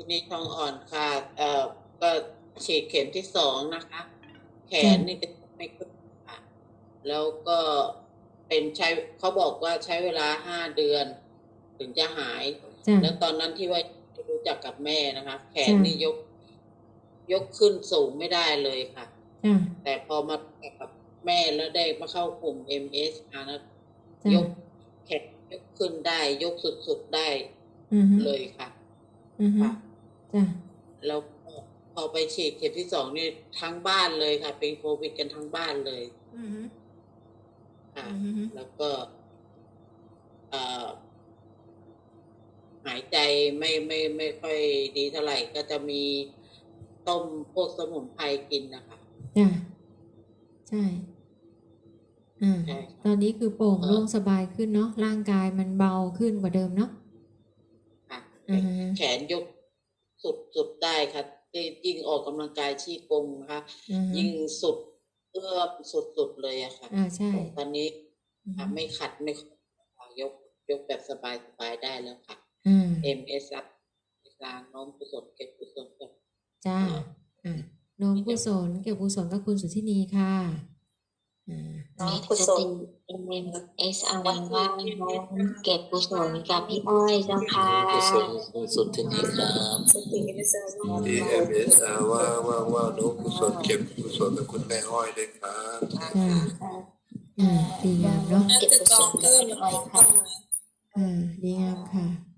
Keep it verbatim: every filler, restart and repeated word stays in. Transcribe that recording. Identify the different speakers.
Speaker 1: นี้ท้องอ่อนค่ะเอ่อก็ฉีดเข็มที่สองนะคะ แขนนี่จะไม่ขึ้นค่ะแล้วก็เป็นใช้เขาบอกว่าใช้เวลาห้าเดือน ถึงจะหาย แล้วตอนนั้นที่ว่ารู้จักกับแม่นะคะ แขนนี่ยก ยกขึ้นสูงไม่ได้เลยค่ะ แต่พอมากับแม่แล้วได้มาเข้ากลุ่ม เอ็ม เอส ค่ะนะยกแขนยกขึ้นได้ ยกสุดๆได้เลยค่ะค่ะแล้วพอไปฉีดเข็มที่สองนี่ทั้งบ้านเลยค่ะ เป็นโควิดกันทั้งบ้านเลยค่ะแล้วก็เอ่อหายใจไม่ไม่ไม่ค่อยดีเท่าไหร่ ก็จะมีต้มพวกสมุนไพรกินนะคะ
Speaker 2: จ้ะใช่อ่าตอนนี้คือโปร่งโล่งสบายขึ้นเนาะร่างกายมันเบาขึ้นกว่าเดิมเนาะ
Speaker 1: ค่ะแขนยกสุดสุดได้ค่ะยิ่งออกกำลังกายชี้กงนะคะยิ่งสุดเอื้อมสุดสุดเลยอะค่ะ
Speaker 2: อ่าใช่
Speaker 1: ตอนนี้ไม่ขัดไม่ยกยกแบบสบายสบายได้แล้วค่ะเอ็มเอสอัพการน้อมกุศลเก็บกุศลกับ
Speaker 2: จ้าอ่าน้อมกุศลเก็บกุศลกับคุณสุทธินีค่ะ
Speaker 3: น้องกุศลเอ็มเอสอาร์ว่าน้องเก็บกุศลกับพี่อ้อยเจ้าค่ะ
Speaker 4: กุศลคุณสุทธินีครับที่เอ็มเอสอาร์ว่าว่าว่าน้องกุศลเก็บกุศลกับคุณแม่อ้อยด้วยครับ
Speaker 2: อ่าอ่าดีงามเนาะ
Speaker 3: เก็บกุศลกับพี่อ้อยค่ะ
Speaker 2: อ่าดีงามค่ะ